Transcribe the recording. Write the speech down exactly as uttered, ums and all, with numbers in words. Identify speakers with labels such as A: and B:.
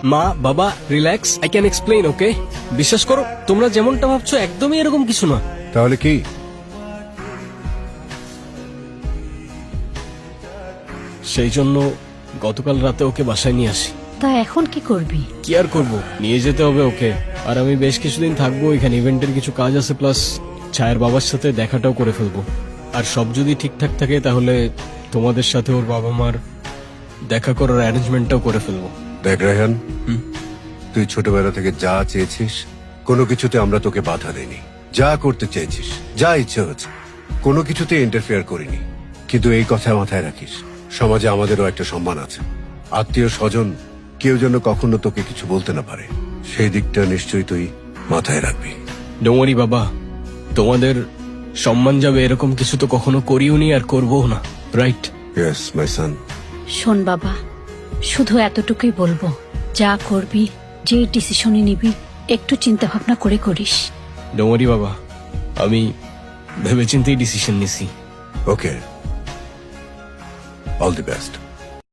A: মা বাবা relax, I can explain, okay? বিশ্বাস করো, তোমরা যেমনটা ভাবছো একদমই এরকম কিছু না।
B: তাহলে কি?
A: সেই জন্য গতকাল রাতে ওকে বাসায় নিয়ে আসি।
C: তা এখন কি করবি?
A: কি আর করবো, নিয়ে যেতে হবে ওকে। আর আমি বেশ কিছুদিন থাকবো এখানে, ইভেন্টের কিছু কাজ আছে, প্লাস ছায়ের বাবার সাথে দেখাটাও করে ফেলবো। আর সব যদি ঠিকঠাক থাকে তাহলে তোমাদের সাথে ওর বাবা মার দেখা করার অ্যারেঞ্জমেন্টটাও করে ফেলবো।
B: দেখ রায়হান, তুই ছোটবেলা থেকে যা চেয়েছিস কোনো কিছুতে আমরা তোকে বাধা দেইনি। যা করতে চেয়েছিস, যা ইচ্ছে হচ্ছে, কোনো কিছুতে ইন্টারফেয়ার করিনি। কিন্তু এই কথা মাথায় রাখিস, সমাজে আমাদেরও একটা সম্মান আছে। আত্মীয় স্বজন কেউ যেন কখনো তোকে কিছু বলতে না পারে, সেই দিকটা নিশ্চয়ই তুই মাথায় রাখবি।
A: ডোমারি বাবা, তোমাদের সম্মান যাবে এরকম কিছু তো কখনো করিও নি আর করবোও না, রাইট?
B: ইয়েস মাই সান।
C: শোন বাবা, শুধু এতটুকুই বলবো, যা করবি, যে ডিসিশনই নিবি, একটু চিন্তা ভাবনা করে করিস।
A: ডোমারি বাবা, আমি ভেবেচিন্তেই ডিসিশন নিছি।
B: Okay, all the best.